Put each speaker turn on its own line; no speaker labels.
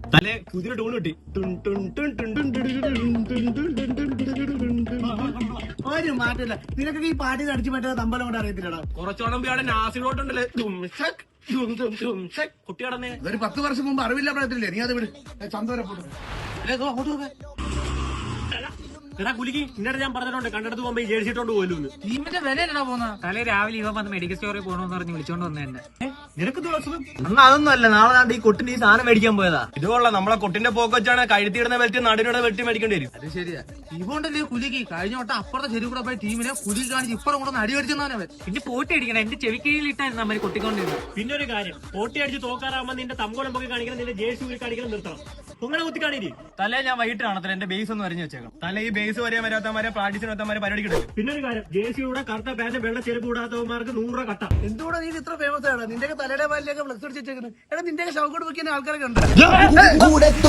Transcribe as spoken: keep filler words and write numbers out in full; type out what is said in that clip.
തലേ കുതിര ടൂൺ കിട്ടി.
ഒരു മാറ്റമില്ല. നിനക്കൊക്കെ ഈ പാട്ടി അടിച്ചു പറ്റാതെ തമ്പലം കൊണ്ട് അറിയത്തില്ലടാ.
കുറച്ചോളം അവിടെ നാസിലോട്ടുണ്ടല്ലേ കുട്ടിയാടന്നെ.
ഒരു പത്ത് വർഷം മുമ്പ് അറിവില്ല പറയത്തില്ലേ, നീ അത് വിട്. ചന്തോര
എടാ കുലിക്ക് ഇന്നലെ ഞാൻ പറഞ്ഞിട്ടുണ്ട് കണ്ടെടുത്ത് പോകുമ്പോ ഈ ജേഴ്സി ഇട്ടോണ്ട് പോലും
ടീമിന്റെ വിലയാണോ പോകുന്നത്? തലേ രാവിലെ ഇവൻ വന്ന് മെഡിക്കൽ സ്റ്റോറിൽ പോകണമെന്ന് പറഞ്ഞ് വിളിച്ചോണ്ട് വന്നെ.
നിനക്ക് ദിവസം
അന്ന് അതൊന്നും അല്ല, നാളെ നാണ്ട് ഈ കൊട്ടിന്റെ ഈ സാധനം മേടിക്കാൻ പോയതാ.
ഇതുകൊള്ള നമ്മളെ കൊട്ടിന്റെ പോക്ക് വെച്ചാണ് കഴുത്തിടുന്ന വെട്ടി നടുവിയുടെ വെട്ടി മേടിക്കേണ്ടി വരും.
അത് ശരിയാ. ഇവണ്ടല്ലേ കുലിക്ക് കഴിഞ്ഞ വട്ടം അപ്പുറത്തെ ചെരുവ് കൂടെ പോയി ടീമിനെ കുലി കാണിച്ച് ഇപ്പുറം കൂടെ അടി അടിച്ചെന്നവൻ. പിന്നെ പോട്ടി അടിക്കണം, എന്റെ ചെവിക്കീഴിൽ ഇട്ടായിരുന്നു അമ്മ കൊട്ടിക്കൊണ്ടിരുന്നത്.
പിന്നെ ഒരു കാര്യം, പോട്ടി അടിച്ച് തോക്കാറാകുമ്പോ നിന്റെ തമ്പോളം പൊക്കി കാണിക്കണം, നിന്റെ ജേഴ്സി ഊരി കാണിക്കണം, നിർത്തണം. നിങ്ങളെ കുത്തി കാണിരി.
തലേ ഞാൻ വൈകിട്ട് കാണത്തില്ല, എന്റെ ബേസ് ഒന്ന് വരഞ്ഞു വെച്ചേക്കാം.
തല ഈ ബേസ് വരെയാൻ വരാത്തമാരെ പ്രാക്ടീസിന് വരാത്തമാരെ പരിപാടി കിട്ടും. പിന്നെ ഒരു കാര്യം, ജേഴ്സിയുടെ കറുത്ത പാന്റ് വെള്ള ചെരുപ്പ് കൂടാത്തവന്മാർക്ക് നൂറ് രൂപ കട്ട.
എന്തുകൂടെ നീ ഇത്ര ഫേമസ് ആണ്? നിന്റെ തലയുടെ പാലിലൊക്കെ ഫ്ലക്സ് അടിച്ചു വെച്ചേക്കുന്നത്. എടാ നിന്റെ ഷൗക്കോട്ട് വെക്കുന്ന ആൾക്കാരൊക്കെ ഉണ്ട്.